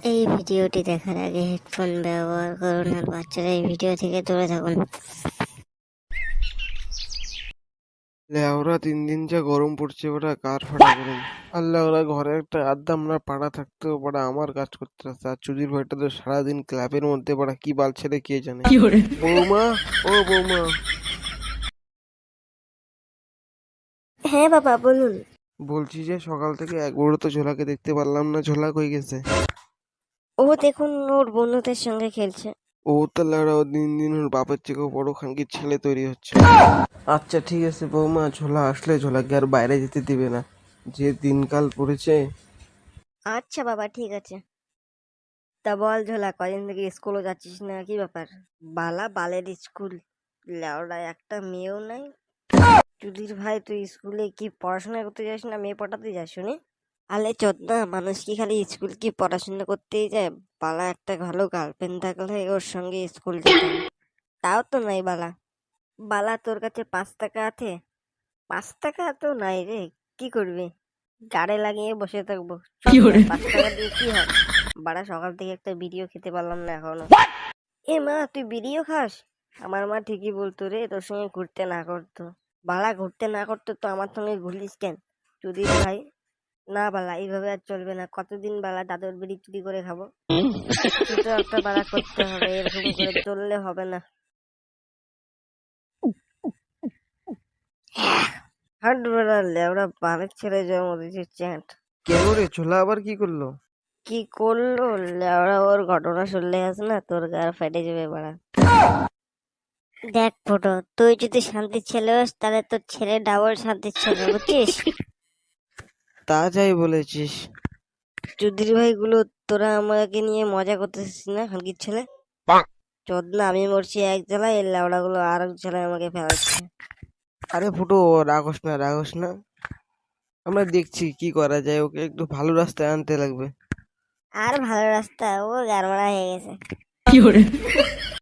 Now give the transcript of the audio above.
এই ভিডিওটি দেখার আগে হেডফোন ব্যবহার করুন আর বাচ্চারা এই ভিডিও থেকে দূরে থাকুন। লেওরা 3 দিন যা গরম পড়ছে ওরা কার ফাটা গরম। আল্লাহ ওরা ঘরে একটা আড্ডা আমরা পাড়া থাকতেও পাড়া আমার কাজ করতে আসছে আর চুদির ভাইটা তো সারাদিন ক্লাবের মধ্যে পাড়া কি বাল ছেড়ে কে জানে। বৌমা, ও বৌমা, হ্যাঁ বাবা বলুন। বলছি যে সকাল থেকে একবারও তো ঝোলাকে দেখতে পারলাম না, ঝোলা কই গেছে? ও দেখুন ওর বন্ধুদের সঙ্গে খেলছে। ও তো লেওরা ও দিন দিন ওর বাপের থেকেও বড় খানকির ছেলে তৈরি হচ্ছে। আচ্ছা ঠিক আছে বৌমা, ঝোলা আসলে ঝোলাকে আর বাইরে যেতে দিবে না, যে দিনকাল পড়েছে। আচ্ছা বাবা ঠিক আছে। তা বল ঝোলা, কদিন থেকে স্কুলও যাচ্ছিস না, কি ব্যাপার? বালা বালের স্কুল, লেওড়া একটা মেয়েও নাই। চুদির ভাই তুই স্কুলে কি পড়াশোনা করতে যাস না মেয়ে পটাতে যাস শুনি? আলে চোদনা, মানুষ কি খালি স্কুল কি পড়াশোনা করতেই যায়? বালা একটা ভালো গার্লফ্রেন্ড থাকলে ওর সঙ্গে স্কুল যেতাম। তাও তো নাই বালা। বালা তোর কাছে 5 টাকা আছে? 5 টাকা তো নাই রে, কি করবি? গাড়ে লাগিয়ে বসে থাকবো? চল না, 5 টাকা দিয়ে কি হয়? বাড়া সকাল থেকে একটা বিড়িও খেতে পারলাম না এখনো। এ মা, তুই বিড়িও খাস? আমার মা ঠিকই বলতো রে, তোর সঙ্গে ঘুরতে না করতো। বালা ঘুরতে না করতো তো আমার সঙ্গে ঘুরলিস কেন চুদির ভাই? না বালা, এইভাবে আর চলবে না। কতদিন বালা দাদুর বিড়ি চুরি করে খাবো? কিছু তো একটা বালা করতে হবে, এরকম করে চললে হবে না। হাট বেড়া লেওড়া বালের ছেলে জন্ম দিয়েছে চ্যাট। কেন রে, ঝোলা আবার কি করলো? কি করলো লেওড়া? ওর ঘটনা শুনলে আছে না তোর গা ফেটে যাবে বাড়া। দেখ ফুটো, তুই যদি শান্তির ছেলে হোস তাহলে তোর ছেলে ডাবল শান্তির ছেলে, বুঝছিস? তা যাই বলেছিস। চুদির ভাইগুলো, তোরা আমাকে নিয়ে মজা করতেছিস না হালকির ছেলে? চোদনা, আমি মরছি এক জেলায়, এর লেওড়া গুলো আর এক জেলায় আমাকে ফেলাচ্ছে। আরে ফুটো, রাগস না রাগস না, আমরা দেখছি কি করা যায়, ওকে একটু ভালো রাস্তায় আনতে লাগবে। আর ভালো রাস্তা, ও গারমারা হয়ে গেছে।